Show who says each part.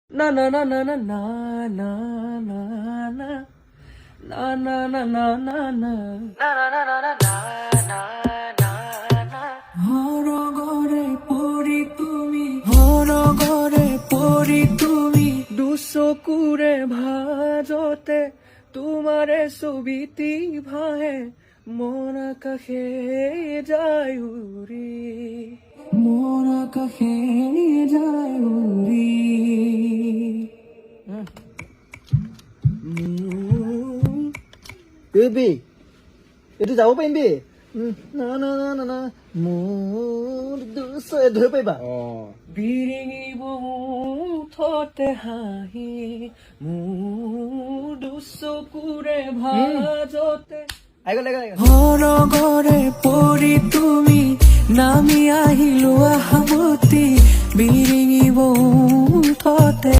Speaker 1: Na na na na na na na na na na na na na na na হৰগৰে পৰি তুমি দুচকুৰে ভাজতে তোমাৰে ছবিটি ভাহে মন আকাশে যায় উৰি মন আকাশে যায় উৰি
Speaker 2: বেবি এইটো যাব পাৰিম বে না না না না না মোৰ দুচে ধৰি পাৰিবা
Speaker 1: বিৰিঙিব মুঠতে হাঁহি মোৰ দুচকুৰে ভাজতে হৰগৰে পৰি তুমি নামি আহিলো আহামতি বিৰিঙিব মুঠতে